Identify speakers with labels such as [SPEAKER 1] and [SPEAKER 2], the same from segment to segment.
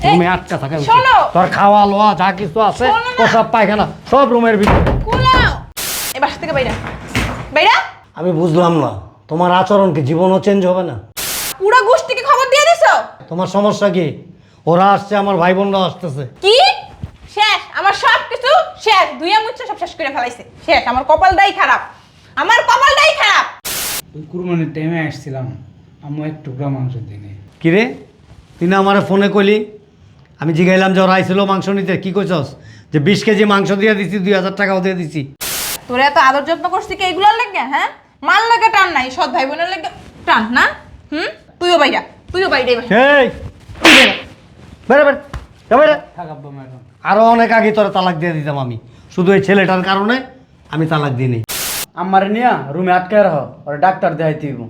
[SPEAKER 1] রুমে আটকা থাকে তোর খাওয়া লোয়া যা কিছু আছে ও সব পায়খানা সব রুমের ভিতরে।
[SPEAKER 2] এই বাসা থেকে বাইরা বাইরা।
[SPEAKER 1] আমি বুঝলাম না তোমার আচরণ কি জীবনও চেঞ্জ হবে না?
[SPEAKER 2] পুরো গোষ্ঠীকে খবর দিয়ে দিছো?
[SPEAKER 1] তোমার সমস্যা কি? ওরা আসছে, আমার ভাই বোনরা আসতেছে।
[SPEAKER 2] কি শেষ? আমার সব কিছু শেষ, দুইয়া মুচ্ছা সব শেষ করে ফেলাইছে। শেষ, আমার কপালটাই খারাপ, আমার কপালটাই খারাপ।
[SPEAKER 3] কুরবানির টাইমে আসছিলাম, আম্মু এক টুকরা মাংস দিনে।
[SPEAKER 1] কিরে তুই না আমার ফোনে কইলি? আমি জিগাইলাম যে ওরা আইছিল মাংস নিতে, কি কইছস? যে 20 কেজি মাংস দিয়ে দিছি, 2000 টাকাও দিয়ে দিছি।
[SPEAKER 2] তোরা এত আদর যত্ন করছিস কি এইগুলোর লাগে? হ্যাঁ, মাল লাগে টান নাই, সৎ ভাই বোনের লাগে টান না? তুইও বাইরা, তুইও বাইরে।
[SPEAKER 1] এই বেরে বেরে বেরে।
[SPEAKER 3] থাক আব্বা ম্যাডাম,
[SPEAKER 1] আরো অনেক আগে তোরা তালাক দিয়ে দিতাম আমি, শুধু এই ছেলেটার কারণে আমি তালাক দিইনি।
[SPEAKER 3] আম্মারে নিয়া রুমে আটকায় রাখো, ওরা ডাক্তার দেখাইতে হইব।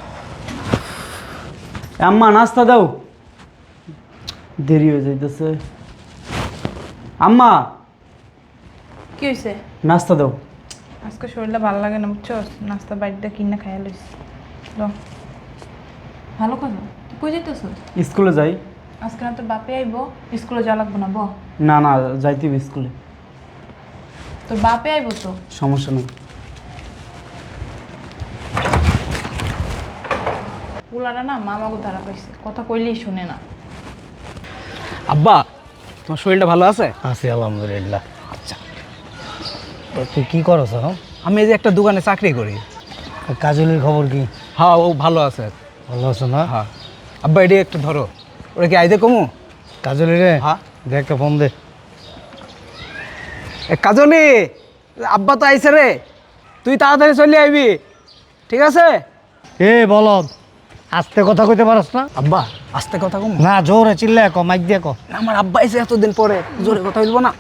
[SPEAKER 3] আম্মা নাস্তা দাও, দেরি হয়ে যাইতেছে। আম্মা
[SPEAKER 2] কি হয়েছে?
[SPEAKER 3] নাস্তা দাও।
[SPEAKER 2] আজকে শরীরটা ভালো লাগে না বুঝছো, নাস্তা বাড়িতে কিনা খাইয়া লইস। ভালো কথা, তুই কই যাইতেছ?
[SPEAKER 3] স্কুলে যাই।
[SPEAKER 2] আজকে না তোর বাপে আইবো, স্কুলে যাওয়া লাগবো না?
[SPEAKER 3] না না, যাইতে হইব স্কুলে।
[SPEAKER 2] তোর বাপে আইবো তো,
[SPEAKER 3] সমস্যা নেই।
[SPEAKER 2] পুলারা না মামাকে ধারা পাইছে, কথা কইলেই শুনে না।
[SPEAKER 3] আব্বা তোমার শরীরটা ভালো আছে?
[SPEAKER 1] আছি আলহামদুলিল্লাহ। আচ্ছা তুই কি করছ এখন?
[SPEAKER 3] আমি এই যে একটা দোকানে চাকরি করি।
[SPEAKER 1] কাজলের খবর কি?
[SPEAKER 3] হ্যাঁ, ও ভালো আছে।
[SPEAKER 1] ভালো আছে না?
[SPEAKER 3] হ্যাঁ আব্বা, এটি একটু ধরো। ওরা কি আইতে কমু?
[SPEAKER 1] কাজলি রে,
[SPEAKER 3] হ্যাঁ
[SPEAKER 1] দে একটা ফোন দে।
[SPEAKER 3] কাজলি, আব্বা তো আইছে রে, তুই তাড়াতাড়ি চলে আইবি, ঠিক আছে?
[SPEAKER 1] এ বলদ, আস্তে কথা কইতে পারস না?
[SPEAKER 3] আব্বা আস্তে কথা কম
[SPEAKER 1] না, জোরে চিল্লে কো, মাইক দিয়ে কো।
[SPEAKER 3] আমার আব্বা আইছে এতদিন পরে, জোরে কথা বলবো না।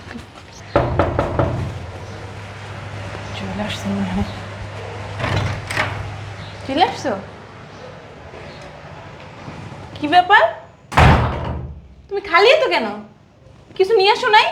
[SPEAKER 2] চলে আসছে মনে হয়। চলে আসছো? কি ব্যাপার, তুমি খালি তো কেন? কিছু নিয়ে আসো নাই?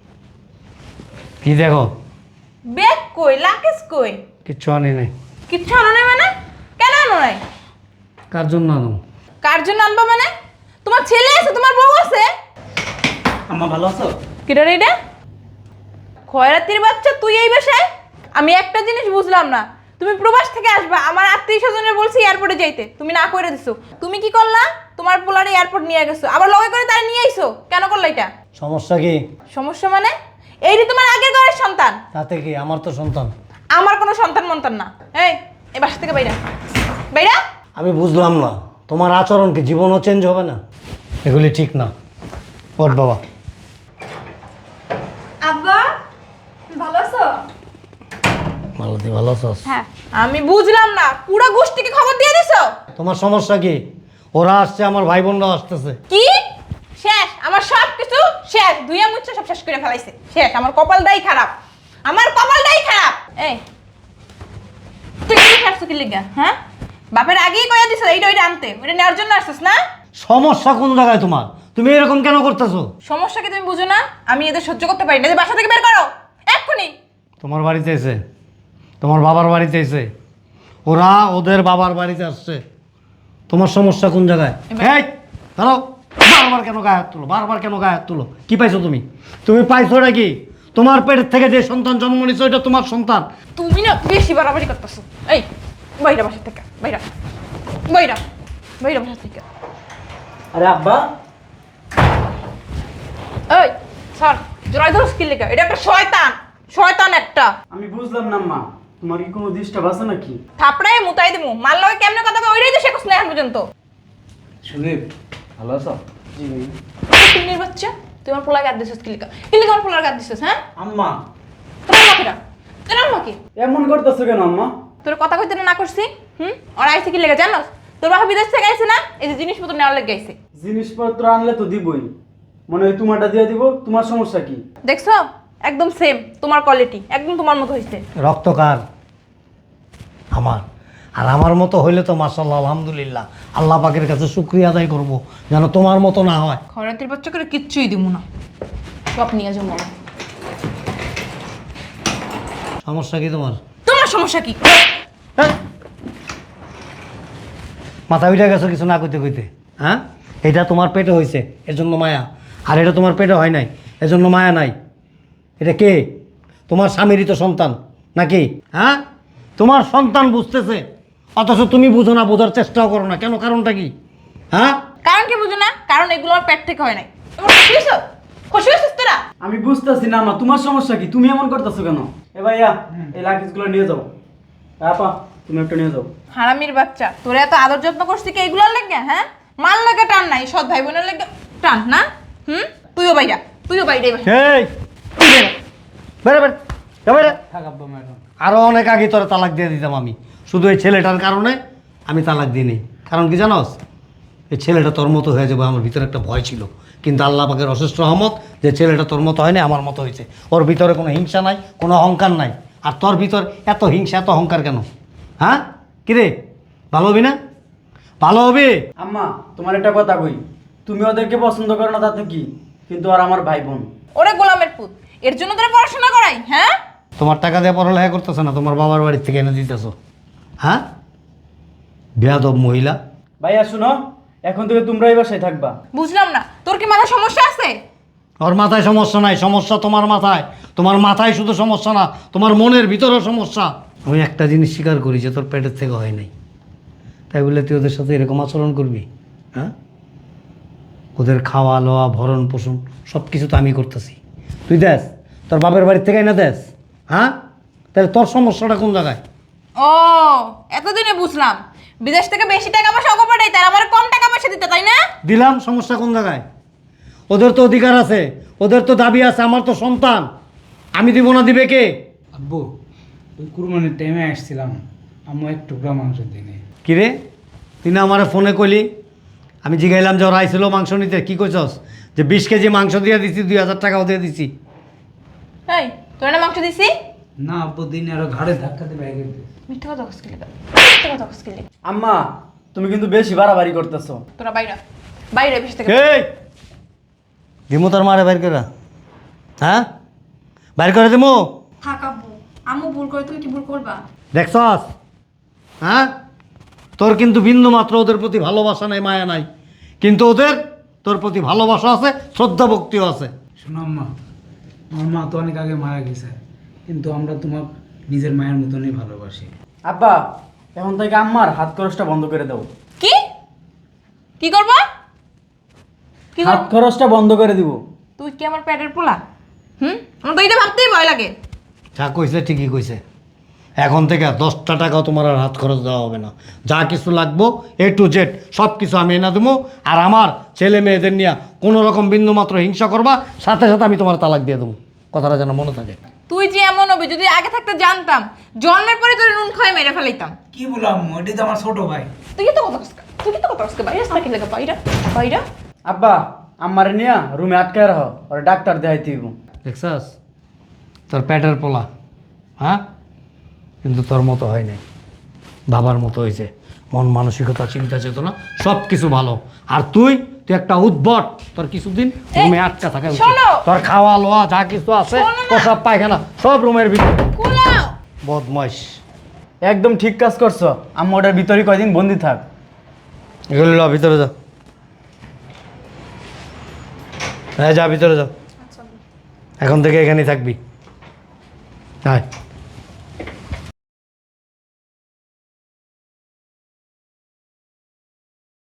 [SPEAKER 1] কি দেখো?
[SPEAKER 2] ব্যাগ কই, লাকেজ কই?
[SPEAKER 1] কিচ্ছু আনি নাই।
[SPEAKER 2] কিচ্ছু আনো নাই মানে? কেন আনো নাই?
[SPEAKER 1] কার জন্য আনো?
[SPEAKER 2] কার জন্য আনবা মানে? তোমার ছেলে আছে, তোমার বউ আছে।
[SPEAKER 3] আম্মা ভালো আছো?
[SPEAKER 2] কিটা রে এটা? খয়রাতির বাচ্চা তুই এই বাসায়? আমি একটা জিনিস বুঝলাম না, তুমি প্রবাস থেকে আসবা, আমার আত্মীয় স্বজনের বলছি এয়ারপোর্টে যাইতে, তুমি না করে দিছো। তুমি কি করলা? তোমার পোলারে এয়ারপোর্ট নিয়ে গেছো, আবার লগে করে তারা নিয়ে আইছো, কেন করলা এটা?
[SPEAKER 1] সমস্যা কি?
[SPEAKER 2] সমস্যা মানে? এইটি তোমার আগের ঘরের সন্তান।
[SPEAKER 1] তাতে কি? আমার তো সন্তান।
[SPEAKER 2] আমার কোনো সন্তান মন্তান না। এই বাসা থেকে বাইরা বাইরা।
[SPEAKER 1] আমি বুঝলাম না তোমার আচরণ কি জীবনও চেঞ্জ হবে না? এগুলি ঠিক না। ওঠ বাবা।
[SPEAKER 2] আব্বা ভালো আছো?
[SPEAKER 1] মালতী ভালো আছস?
[SPEAKER 2] হ্যাঁ। আমি বুঝলাম না, পুরো গোষ্ঠীকে খবর দিয়ে দিছো?
[SPEAKER 1] তোমার সমস্যা কি? ওরা আসছে, আমার ভাই বোনরা আসতেছে।
[SPEAKER 2] কি শেষ? আমার সব কিছু শেষ, দুইয়া মুচ্ছা সব শেষ করে ফেলাইছে। শেষ, আমার কপালটাই খারাপ, আমার কপালটাই খারাপ। এই তুই কি খাচ্ছ কি লিগা? হ্যাঁ, বাপের আগেই কইয়া দিছ এইটা ওইটা আনতে, ওইটা নেওয়ার জন্য আসছিস না?
[SPEAKER 1] সমস্যা কোন জায়গায় তোমার? তুমি এরকম কেন করতেছো?
[SPEAKER 2] সমস্যা কি তুমি বুঝো না? আমি এদের সহ্য করতে পারি না, যে বাসা থেকে বের করো এক্ষুনি।
[SPEAKER 1] তোমার বাড়িতে এসে, তোমার বাবার বাড়িতে এসে, ওরা ওদের বাবার বাড়িতে আসছে। তোমার সমস্যা কোন জায়গায়? এই দাঁড়াও, বারবার কেন গায়ে হাত তুলো? বারবার কেন গায়ে হাত তুলো? কি পাইছো তুমি? তুমি পাইছো নাকি? তোমার পেটের থেকে যে সন্তান জন্ম নিচ্ছে ওইটা তোমার সন্তান।
[SPEAKER 2] তুমি না বেশি বাড়াবাড়ি করতেছো। এই বাইরা বাসা থেকে, বাইরা বাইরা বাইরা বাসা থেকে।
[SPEAKER 3] আরে আব্বা,
[SPEAKER 2] এই স্যার, জোরাই ধরো স্কিল লেখা, এটা একটা শয়তান, শয়তান একটা।
[SPEAKER 3] আমি বুঝলাম না মা, তোমার কি কোনো ডিস্টার্ব আছে নাকি?
[SPEAKER 2] থাপড়ায় মুতাই দিমু, মার লগে কেমনে কথা কই ওইটাই তো শেখছ না এখন পর্যন্ত।
[SPEAKER 3] সুদীপ ভালো আছো? জি
[SPEAKER 2] তিনের বাচ্চা, তুই আমার পোলার গাদ দিছিস কি লেখা? কি লেখা আমার পোলার গাদ দিছিস? হ্যাঁ,
[SPEAKER 3] আম্মা,
[SPEAKER 2] তোমার মাকেরা, তোমার মাকে
[SPEAKER 3] এমন করতেছো কেন আম্মা?
[SPEAKER 2] তোর কথা কইতে না করছি? ওর আইছে কি লেখা জানোস? তোর বাবা বিদেশ থেকে আইছে না, এই যে জিনিসপত্র নেওয়ার লেগে আইছে।
[SPEAKER 3] জিনিসপত্র আনলে তো দিবই, মনে হয় তোমারটা দিয়ে দিব। তোমার সমস্যা কি?
[SPEAKER 2] দেখছো, একদম সেম তোমার কোয়ালিটি, একদম তোমার মতো হইছে।
[SPEAKER 1] রক্ত কার? আমার। আর আমার মতো হইলে তো মাশাআল্লাহ আলহামদুলিল্লাহ, আল্লাহ পাকের কাছে শুকরিয়া আদায় করব যেন তোমার মতো না হয়।
[SPEAKER 2] খয়রাতির বাচ্চা করে কিচ্ছুই দিব না, সব নিয়ে যাবো।
[SPEAKER 1] সমস্যা কি তোমার?
[SPEAKER 2] তোমার সমস্যা কি?
[SPEAKER 1] হ্যাঁ? মাথা উঠে গেছো কিছু না কইতে কইতে? হ্যাঁ, এটা তোমার পেটে হয়েছে, এর জন্য মায়া। আর এটা তোমার পেটে হয় নাই, এজন্য মায়া নাই। এটা কে? তোমার স্বামীরই তো সন্তান নাকি? হ্যাঁ, তোমার সন্তান বুঝতেছে, অথচ তুমি বুঝো না, বোঝার চেষ্টাও করো না কেন? কারণটা কি? হ্যাঁ,
[SPEAKER 2] কারণ কি বুঝো না? কারণ এগুলো আমার পেট থেকে হয় নাই। তোমার খুশি হয়েছো? খুশি হয়েছিস তোরা?
[SPEAKER 3] আমি বুঝতেছি না মা, তোমার সমস্যা কি? তুমি এমন করতেছো কেন? এ ভাইয়া, এই লাগেজগুলো নিয়ে যাও। আপা, তুমি একটা নিয়ে যাও।
[SPEAKER 2] হারামির বাচ্চা, তোরা এত আদর যত্ন করছিস কি এগুলোর লাগে? হ্যাঁ, মাল লাগে টান নাই, সৎ ভাই বোনের লাগে টান না? তুইও বাইরা, তুইও বাইরে।
[SPEAKER 1] এই বেরে বেরে যা বেরে।
[SPEAKER 3] থাক আব্বা ম্যাডাম।
[SPEAKER 1] আরও অনেক আগে তোরা তালাক দিয়ে দিতাম আমি, শুধু এই ছেলেটার কারণে আমি তালাক দিইনি। কারণ কি জানোস? এই ছেলেটা তোর মতো হয়ে যাবে, আমার ভিতরে একটা ভয় ছিল, কিন্তু আল্লাহ পাকের অশেষ রহমত যে ছেলেটা তোর মতো হয়নি, আমার মতো হয়েছে। ওর ভিতরে কোনো হিংসা নাই, কোনো অহংকার নাই। আর তোর ভিতর এত হিংসা, এত অহংকার কেন? হ্যাঁ, কিরে, ভালো হবি না? ভালো হবে?
[SPEAKER 3] আম্মা, তোমার একটা কথা কই, তুমি ওদেরকে পছন্দ করো না তাতে কি, কিন্তু আর আমার ভাই বোন।
[SPEAKER 2] ওরে গোলামের পুত, এর জন্য তোরা পড়াশোনা করাই? হ্যাঁ,
[SPEAKER 1] তোমার টাকা দিয়ে পড়ালেখা করতেছে না, তোমার বাবার বাড়ির থেকে এনে দিতেছো। হ্যাঁ, বেয়াদব মহিলা।
[SPEAKER 3] ভাইয়া শুনো, এখন থেকে তোমরা এই বাসায় থাকবা।
[SPEAKER 2] বুঝলাম না, তোর কি মাথা সমস্যা আছে?
[SPEAKER 1] ওর মাথায় সমস্যা নাই, সমস্যা তোমার মাথায়। তোমার মাথায় শুধু সমস্যা না, তোমার মনের ভিতরেও সমস্যা। আমি একটা জিনিস স্বীকার করি যে তোর পেটের থেকে হয় নাই, তাই বলে তুই ওদের সাথে এরকম আচরণ করবি? হ্যাঁ, ওদের খাওয়া লওয়া ভরণ পোষণ সব কিছু তো আমি করতেছি, তুই দেখ তোর বাপের বাড়ির থেকে না দেখ। হ্যাঁ, তাহলে তোর সমস্যাটা কোন জায়গায়?
[SPEAKER 2] ও, এতদিনে বুঝলাম, বিদেশ থেকে বেশি টাকা পয়সা ওকে পাঠাই, তার আমার কম টাকা পয়সা দিতে, তাই না?
[SPEAKER 1] দিলাম, সমস্যা কোন জায়গায়? ওদের তো অধিকার আছে, ওদের তো দাবি আছে, আমার তো সন্তান, আমি দিব না দিবে কে?
[SPEAKER 4] আব্বু, ওই কুরবানির টাইমে আসছিলাম, আম্মু এক টুকরা মাংস দিনে।
[SPEAKER 1] কিরে, তুই না আমার ফোনে কইলি, আমি জিগাইলাম যে ওরা আইছিল মাংস নিতে, কি কইছস? যে 20 কেজি মাংস দিয়ে দিছি, 2000 টাকাও দিয়ে দিছি।
[SPEAKER 2] এই, তোর না মাংস দিছি?
[SPEAKER 4] না আব্বু, দিনে আরো ঘাড়ে ধাক্কা দিয়ে ব্যাগে দিয়েছে।
[SPEAKER 2] মিথ্যা কথা কসকিলি, মিথ্যা কথা কসকিলি।
[SPEAKER 3] আম্মা, তুমি কিন্তু বেশি বাড়াবাড়ি করতেছো।
[SPEAKER 2] তোরা বাইরা, বাইরে বেশি থেকে।
[SPEAKER 1] এই দিমু তোর মারে বাইর করে, হ্যাঁ বাইর করে দিমু।
[SPEAKER 5] থাক আব্বু, আম্মু ভুল করে তুমি কি ভুল করবা?
[SPEAKER 1] দেখছস? হ্যাঁ, তোর কিন্তু বিন্দু মাত্র ওদের প্রতি ভালোবাসা নাই, মায়া নাই, কিন্তু ওদের তোর প্রতি ভালোবাসা আছে, শ্রদ্ধা ভক্তিও আছে।
[SPEAKER 4] শোনো আম্মা, আমার মা তো অনেক আগে মারা গেছে, কিন্তু আমরা তোমার নিজের মায়ের মতনই ভালোবাসি।
[SPEAKER 3] আব্বা, এখন থেকে আম্মার হাত খরচটা বন্ধ করে দাও।
[SPEAKER 2] কি কি করবা? কি
[SPEAKER 3] হাত
[SPEAKER 2] করব?
[SPEAKER 3] খরচটা বন্ধ করে দিব।
[SPEAKER 2] তুই কি আমার পেটের পোলা? আমার তো এটা ভাবতেই ভয় লাগে।
[SPEAKER 1] যা কইছে ঠিকই কইছে, এখন থেকে 10টা টাকাও তোমার আর হাত খরচ দেওয়া হবে না। যা কিছু লাগবো A to Z সব কিছু আমি এনে দেবো। আর আমার ছেলে মেয়েদের নিয়ে কোনো রকম বিন্দু মাত্র হিংসা করবা, সাথে সাথে আমি তোমার তালাক দিয়ে দেবো, কথাটা যেন মনে থাকে।
[SPEAKER 2] তুই যে এমন হবে, যদি আগে থাকতে জানতাম, জন্মের পরে তোর নুন খাই মেরে ফেলাইতাম।
[SPEAKER 4] কি বললাম, ওইটা তো আমার ছোট ভাই।
[SPEAKER 2] তুই কি তো কথা কসকা, তুই কি তো কথা কসকা, বাইরে সাইকেল লাগা, বাইরা বাইরা।
[SPEAKER 3] আব্বা, আম্মারে নিয়ে রুমে আটকায় রাখো, ওরা ডাক্তার দেখাইতে দিব।
[SPEAKER 1] দেখছাস, তোর পেটের পোলা, হ্যাঁ, কিন্তু তোর মতো হয় নাই, বাবার মতো হয়েছে। মন মানসিকতা, চিন্তা চেতনা সব কিছু ভালো। আর তুই তুই একটা উদ্ভট, তোর কিছুদিন রুমে আটকা থাকা উচিত।
[SPEAKER 2] শোনো।
[SPEAKER 1] তোর খাওয়া লোয়া যা কিছু আছে,
[SPEAKER 2] শোনো না।
[SPEAKER 1] প্রসাব পায়খানা সব রুমের ভিতরে।
[SPEAKER 2] কুলাও।
[SPEAKER 1] বদমাইশ,
[SPEAKER 3] একদম ঠিক কাজ করছো। আম্মা ওটার ভিতরে কয়দিন বন্দি থাক।
[SPEAKER 1] এগুলো ল, ভিতরে যা। হ্যাঁ, যা ভিতরে যা, এখন থেকে এখানেই থাকবি। হ্যাঁ।